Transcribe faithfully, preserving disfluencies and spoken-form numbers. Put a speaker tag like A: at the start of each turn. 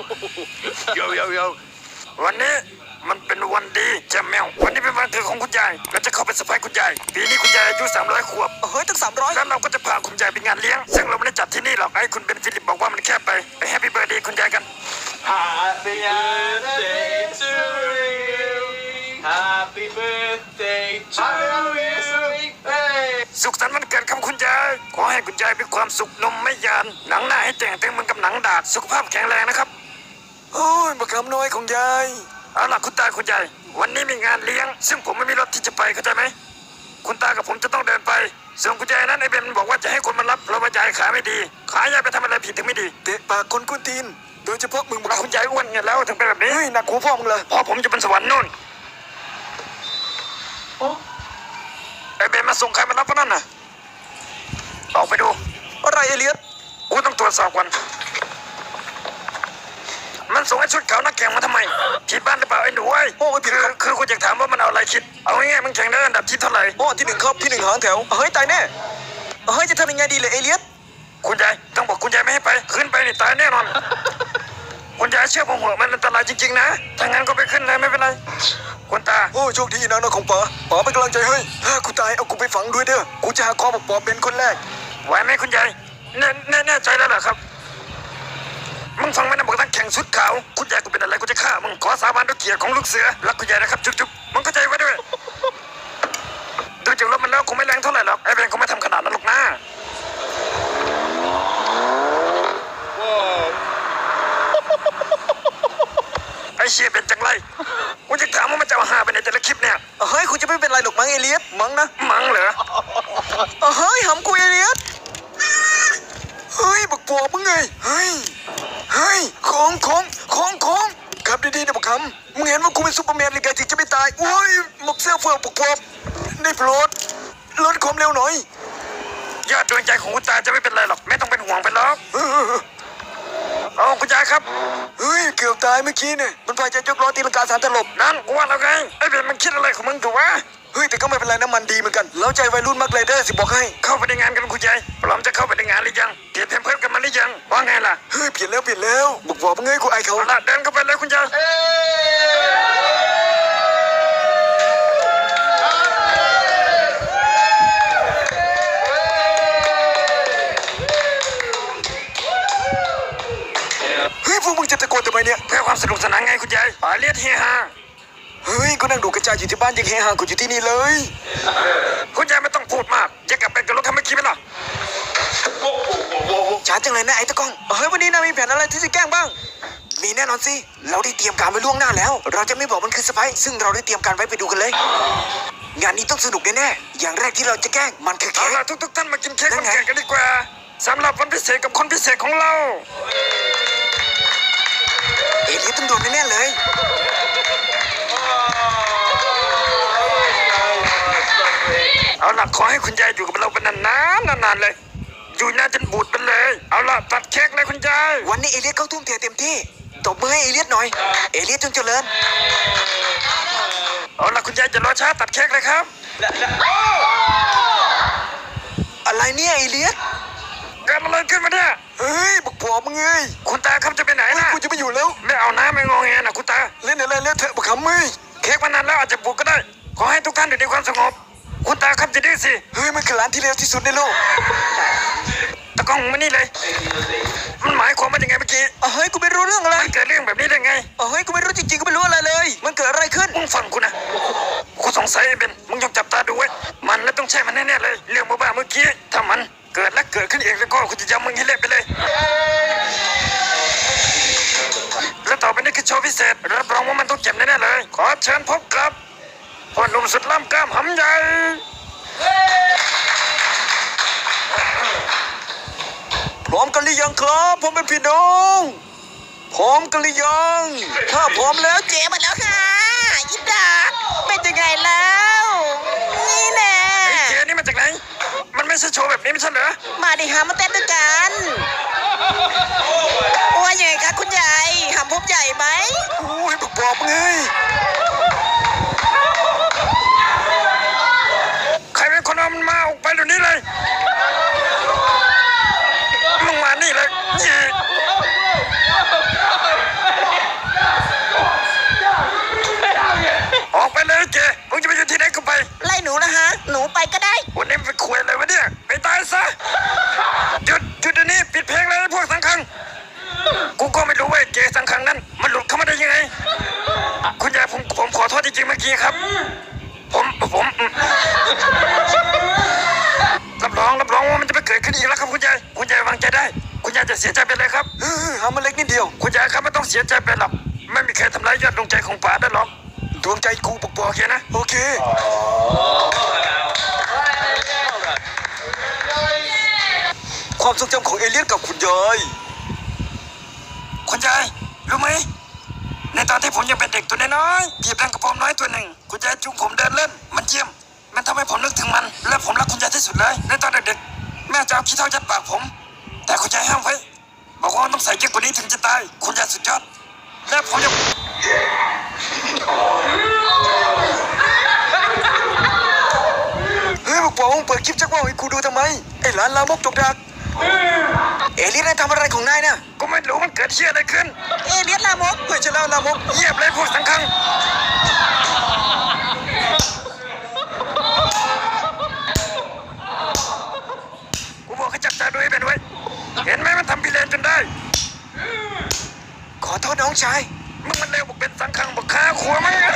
A: โยโยโยวันนี้มันเป็นวันดีแจมแมววันนี้เป็นวันเกิดของคุณยายเราจะเข้าไปเซอร์ไพรส์คุณยายปีนี้คุณยายอายุสามร้อยขวบ
B: เฮ้ยตั้งสามร้อย
A: แล้วเราก็จะพาคุณยายไปงานเลี้ยงซึ่งเราไม่ได้จัดที่นี่หรอกไอ้คุณเบนฟิลิปบอกว่ามันแคบไปไปแฮปปี้เบิร์ดเดย์คุณยายกัน
C: Happy birthday to you Happy birthday to you
A: สุขสันต์วันเกิดครับคุณยายขอให้คุณยายมีความสุขนมไม่ยานหนังหน้าให้แต่งเต็มเหมือนกับหนังดาบสุขภาพแข็งแรงนะครับ
B: โอ้ยบักคำน้อยของยาย
A: เอาล่ะคุณตาคุณยายวันนี้มีงานเลี้ยงซึ่งผมไม่มีรถที่จะไปเข้าใจไหมคุณตากับผมจะต้องเดินไปส่วนคุณยายนั้นไอ้เบนบอกว่าจะให้คนมารับเพราะว่ายายขาไม่ดีขายายไปทำอะไรผิดถึงไม่ดี
B: เตะปากคนกุนตีนโดยเฉพาะมึงบัก
A: คุณยายอ้วนไงแล้วถึงเป็นแบบนี้
B: เฮ้ยหนักหัวพ่อมึงเลย
A: พอผมจะเป็นสวรรค์นู่นไอ้เบนมาส่งใครมารับพวกนั้นน่ะออกไปดู
B: อะไรเอเลียส
A: กูต้องตรวจสอบก่อนมันส่งไอ้ชุดขาวนักแข่งมาทำไมผิดบ้านหรือเปล่าไอ้หนูไอ้
B: โอ้ยผิด
A: คือคือคุณอยากถามว่ามันเอาอะไรคิดเอาง่ายๆมันแข่งได้อันดับที่เท่าไหร่
B: โอ้ที่หนึ่งครับที่หนึ่งหางแถวเฮ้ยตายแน่เฮ้ยจะทำยังไงดีเลยเอเลียส
A: คุณยายต้องบอกคุณยายไม่ให้ไปขึ้นไปนี่ตายแน่นอนคุณยายเชื่อผมหัวมันอันตรายจริงๆนะถ้างั้นก็ไปขึ้นเลยไม่เป็นไรคุณตา
B: โอ้โชคดีนะน้องของป๋าป๋าเป็นกำลังใจให้ถ้ากูตายเอากูไปฝังด้วยเด้อกูจะหาคอบอกป๋าเป็นคนแรก
A: ไหวไหมคุณยายแน่แน่แน่ใจแล้วเหรอครับมึงฟังไหมนะบอกตั้งแข่งชุดขาวคุณยายกูเป็นอะไรกูจะฆ่ามึงขอสาบานด้วยเกียรติของลูกเสือรักคุณยายนะครับจุ๊บๆมึงเข้าใจไว้ด้วยดูจากรถมันแล้วคงไม่แรงเท่าไหร่หรอกไอ้เบนคงไม่ทำขนาดนั้นหรอกนะไอ้เชี่ยเป็นจังไรกูจะถามว่ามันจะเอาหาไปในแต่ละคลิปเนี่ย
B: เฮ้ยคุณจะไม่เป็นไรหรอกมั้งเอเลียสมั้งนะ
A: มั้งเหรอ
B: เฮ้ยหำกูเอเลียสเฮ้ยบักปอบมึงไงเฮ้ยเฮ้ยของของของของขับดีๆนะบักคำมึงเห็นว่ากูเป็นซูเปอร์แมนหรือไงถึงจะไม่ตายโอ้ยหมกเสื้อเฟือกบักปอบได้โปรดลดความเร็วหน่อย
A: ยอดดวงใจของคุณตาจะไม่เป็นไรหรอกไม่ต้องเป็นห่วงไปหรอกเอาคุณยายครับ
B: เฮ้ยเกือบตายเมื่อกี้เนี่ยมันพายจะยกล้อตีลังกาสารตลบ
A: นั่นกูว่าแล้วไงไอ้เบนมันคิดอะไรของมึงถูกวะ
B: เฮ้ยแต่ก็ไม่เป็นไรน้ำมันดีเหมือนกันแล้วใจวัยรุ่นมากเลยเด้อสิบอกให้
A: เข้าไปในงานกันคุณยายพร้อมจะเข้าไปในงานหรือยังเปลี่ยนเพมเพิ่มกันมาหรือยังว่าไงล่ะ
B: เฮ้ยเปลี่ยนแล้วเปลี่ยนแล้วบอกบอกมึงไงกูไอเขา
A: ละเดินเข้าไปเลยคุณยาย
B: เฮ้ยพวกมึงจะตะโกนทำไมเนี่ย
A: เพื่อความสนุกสนานไงคุณยายปาเลียดเฮฮา
B: เฮ้ยกูนั่งดูกระจายอยู่ที่บ้านยังเฮฮากูอยู่ที่นี่เลย
A: คุณยายไม่ต้องพูดมากจะกลับไปกับรถคันเมื่อกี้ไหมล่ะ
B: ช้าจังเลยนะไอ้ตะก้องเฮ้ยวันนี้นายมีแผนอะไรที่จะแกล้งบ้างมีแน่นอนสิเราได้เตรียมการไว้ล่วงหน้าแล้วเราจะไม่บอกมันคือเซอร์ไพรส์ซึ่งเราได้เตรียมการไว้ไปดูกันเลยงานนี้ต้องสนุกแน่ๆอย่างแรกที่เราจะแกล้งมันคือเค้
A: กเอาล่ะทุกๆท่านมากินเค้กวันเกิดกันดีกว่าสำหรับวันพิเศษกับคนพิเศษของเรา
B: เอเลียสต้องโดนแน่ๆเลย
A: เอาล่ะขอให้คุณยายอยู่กับเราเป็นนานๆนานๆเลยอยู่นานจนบูดไปเลยเอาล่ะตัดเค้กเลยคุณยาย
B: วันนี้เอเลียสเข้าทุ่มเทเต็มที่ตบมือให้เอเลียสหน่อยเอเลียสจงเจริญ
A: เอาล่ะคุณยายจะรอช้าตัดเค้กเลยครับ
B: อะไรเนี่ยเอเลียส
A: เกิดอะไรขึ้นมาเนี่ย
B: เฮ้ยบักปอบมึงเอ้ย
A: คุณตาครับจะไปไหนนะ
B: กูจะไปอยู่แล้ว
A: ไม่เอานะไม่งอแงนะคุณตา
B: เล่นอะไรเล่นเถอะบักขำมึง
A: เค้กมันนานแล้วอาจจะบุกก็ได้ขอให้ทุกท่านอยู่ในความสงบคุณตาครับจะดื้อสิ
B: เฮ้ยมันคือร้านที่เลวที่สุดในโลก
A: ตะกล้องมานี่เลยมันหมายความว่ายังไงเมื่อกี้
B: เฮ้ยกูไม่รู้เรื่องอะไร
A: มันเกิดเรื่องแบบนี้ได้ไง
B: เฮ้ยกูไม่รู้จริงๆกูไม่รู้อะไรเลยมันเกิดอะไรขึ้น
A: มึงฟังกูนะกูสงสัยไอ้เบนมึงยกจับตาดูไว้มันแล้วต้องใช่มันแน่ๆเลยเรื่องบ้าๆเมื่อกี้ถ้ามันเกิดและเกิดขึ้นเองแล้วก็กูจะยำมึงให้เละไปเลยและต่อไปนี้คือโชว์พิเศษรับรองว่ามันต้องเจ็บแน่ๆเลยขอเชิญพบกับพ่อหนุ่มสุดล่ำกล้ามหำใหญ่
B: พร้อมกันหรือยังครับผมเป็นพี่น้องพร้อมกันหรือยังถ้าพร้อมแล้ว
D: เจ๊มาแล้วค่ะยินดาเป็นยังไงแล้วนี่แน่
A: ไอ้เจ๊นี่มาจากไหนมันไม่ใช่โชว์แบบนี้ไม่ใช่เหรอ
D: มาดิฮะมาเต้นด้วยกันว่ายังไงคะคุณยายหำพบใหญ่ไหม
B: โอ้ยบอกบอกมึงเลย
A: ใครเป็นคนเอามันมาออกไปเดี๋ยวนี้เลยมึงมานี่เลยทีครับ ผมผมอืมรับรองรับรองว่ามันจะไม่เกิดขึ้นอีกแล้วครับคุณยายคุณยายวางใจได้ คุณยายจะเสียใจไปเลยครับ
B: เออหามาเล็กนิดเดียว
A: คุณยายครับไม่ต้องเสียใจไปหรอกไม่มีใครทำร้ายยอดดวงใจของป๋าได้หรอก
B: ดวงใจกูปกปอ
A: โอก เคนะ
B: โอเค ความทรงจำของเอเลียนกับคุณยาย
A: คุณยายรู้ไหมในตอนที่ผมยังเป็นเด็กตัวน้อยๆพี่แปลงกระผมน้อยตัวหนึ่งคุณยายจูงผมเดินเล่นมันเยี่ยมมันทำให้ผมนึกถึงมัน และผมรักคุณยายที่สุดเลยในตอนเด็กๆแม่จะเอาขี้เถ้ายัดปากผม แต่คุณยายห้ามไว้บอกว่าต้องใส่เยอะกว่านี้ถึงจะตายคุณยายสุดยอดและผมจะ
B: เฮ้ยบอกบอกมึงเปิดคลิปจักว่าวให้กูดูทำไม ไอ้หลานลามกจกดัก เอเลียนนายทำอะไรของนายน่ะ
A: ก็ไม่รู้มันเกิดเชี่ยอะไรขึ้น
D: เอเลียนลามก
B: เฮ้ยจะเล่าลามก
A: เยียบเลยพวกสังคังกูบอกให้จับตาดูให้เป็นไว้เห็นไหมมันทำพิเรนจนได้
B: ขอโทษน้องชาย
A: มึงมันเร็วบอกเป็นสังคังบอกขาขัวมั้งไง